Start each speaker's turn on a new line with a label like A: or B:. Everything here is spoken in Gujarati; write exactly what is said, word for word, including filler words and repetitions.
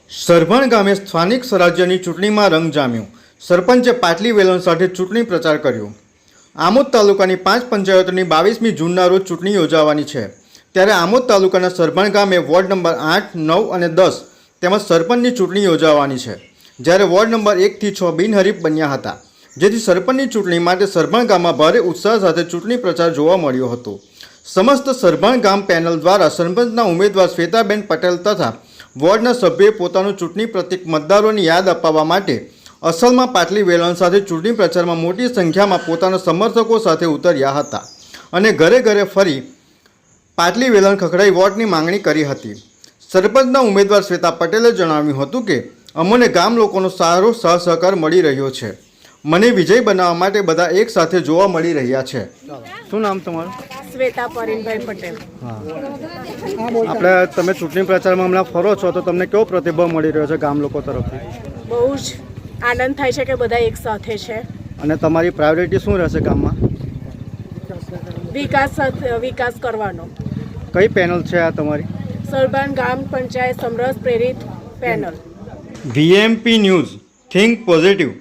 A: સરભણ ગામે સ્થાનિક સ્વરાજ્યની ચૂંટણીમાં રંગ જામ્યો. સરપંચે પાટલી વેલણ સાથે ચૂંટણી પ્રચાર કર્યો. આમોદ તાલુકાની પાંચ પંચાયતોની બાવીસમી જૂનના રોજ ચૂંટણી યોજાવાની છે. ત્યારે આમોદ તાલુકાના સરભણ ગામે વોર્ડ નંબર આઠ, નવ અને દસ તેમજ સરપંચની ચૂંટણી યોજાવાની છે. જ્યારે વોર્ડ નંબર એકથી છ બિનહરીફ બન્યા હતા, જેથી સરપંચની ચૂંટણી માટે સરભણ ગામમાં ભારે ઉત્સાહ સાથે ચૂંટણી પ્રચાર જોવા મળ્યો હતો. સમસ્ત સરભણ ગામ પેનલ દ્વારા સરપંચના ઉમેદવાર શ્વેતાબેન પટેલ તથા વોર્ડના સભ્યોએ પોતાનું ચૂંટણી પ્રતિક મતદારોની યાદ અપાવવા માટે અસલમાં પાટલી વેલણ સાથે ચૂંટણી પ્રચારમાં મોટી સંખ્યામાં પોતાના સમર્થકો સાથે ઉતર્યા હતા અને ઘરે ઘરે ફરી પાટલી વેલણ ખખડાઈ વોટની માંગણી કરી હતી. સરપંચના ઉમેદવાર શ્વેતા પટેલે જણાવ્યું હતું કે અમને ગામ લોકોનો સારો સહસહકાર મળી રહ્યો છે. મને વિજય બનાવવા માટે બધા એક સાથે જોવા મળી રહ્યા છે. શું નામ તમારું?
B: શ્વેતા પરિણભાઈ પટેલ.
A: હા, આપણે તમે ચૂંટણી પ્રચારમાં હમણાં ફરો છો તો તમને કેવો પ્રતિભાવ મળી રહ્યો છે ગામ લોકો તરફથી?
B: બહુ જ આનંદ થાય છે કે બધા એક સાથે છે.
A: અને તમારી પ્રાયોરિટી શું રહેશે ગામમાં?
B: વિકાસ સાથે- વિકાસ કરવાનો.
A: કઈ પેનલ છે આ તમારી?
B: સરભણ ગામ પંચાયત સમરસ પ્રેરિત panel.
A: VMP news, think positive.